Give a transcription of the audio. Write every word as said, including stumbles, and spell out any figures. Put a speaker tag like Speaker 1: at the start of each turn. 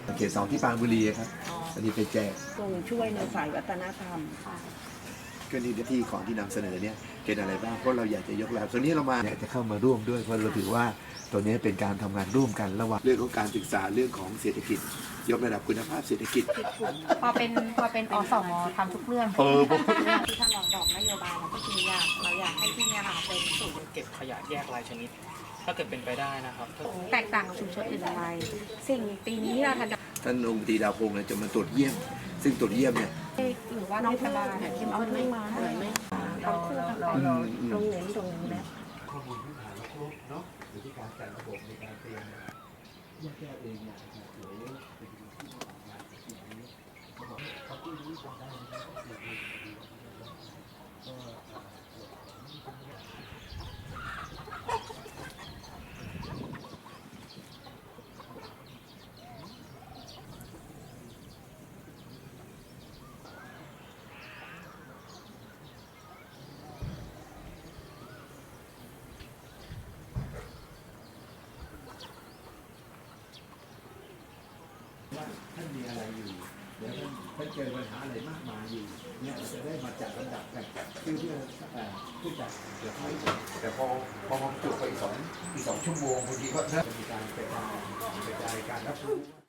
Speaker 1: เขตสองที่ปรานบุรีครับอันนี้ไปแจก
Speaker 2: ทรงช่วยในฝ่ายวัฒนธรรมค่ะ
Speaker 1: ก็นี่ที่ของที่นำเสนอเนี่ยเป็นอะไรบ้างเพราะเราอยากจะยกระดับส่วนนี้เรามาอยากจะเข้ามาร่วมด้วยเพราะเราถือว่าตัวนี้เป็นการทำงานร่วมกันระหว่างเรื่องของการศึกษาเรื่องของเศรษฐกิจ ยกระดับคุณภาพเศรษฐกิจ
Speaker 3: พอเป็นพอเป็นอสมทำทุกเรื่อง
Speaker 1: เออ
Speaker 3: ที่ท่านรองบอกนโยบายเราก็คืออยากเราอยากให้ที่เนี่ยค่ะเป็นศูนย์
Speaker 4: เก็บขยะแยกรายชนิด ถ้าเกิดเป็นไปได้นะครับถ้า
Speaker 3: แตกต่างกับชุมชนอื่นอะไรสิ่งปีนี้ที่เราทำ
Speaker 1: ท่านองค์ตีดาวพงศ์เนี่ยจะมาตรวจเยี่ยม ซึ่งตรวจเยี่ยมเนี่ย
Speaker 3: หรือว่า
Speaker 2: น้อง
Speaker 3: เทศ
Speaker 2: เพิ่ง
Speaker 3: บาล
Speaker 2: เนี่ยที่มันไม่มาเหมือนไม่เราเราเราตรงเน้นตรงนี้แล้ว
Speaker 1: ข้อมูลพื้นฐานครบเนาะอยู่ที่การจัดระบบในการเตรียมแยกแยะเองเนี่ยนะครับหรือเป็นที่มาของงานสิ่งนี้เขาบอกเขาพูดรู้จำได้นะครับก็คือว่าท่านมีอะไรอยู่เดี๋ยวท่านท่านเจอปัญหาอะไรมากมายอยู่เนี่ยเราจะได้มาจัดลำดับกันเพื่อเพื่อเอ่อผู้จัดเดี๋ยวให้แต่พอพอมันจุไปอีกสองอีกสองชั่วโมงบางทีก็เริ่มมีการกระจายกระจายการรับรู้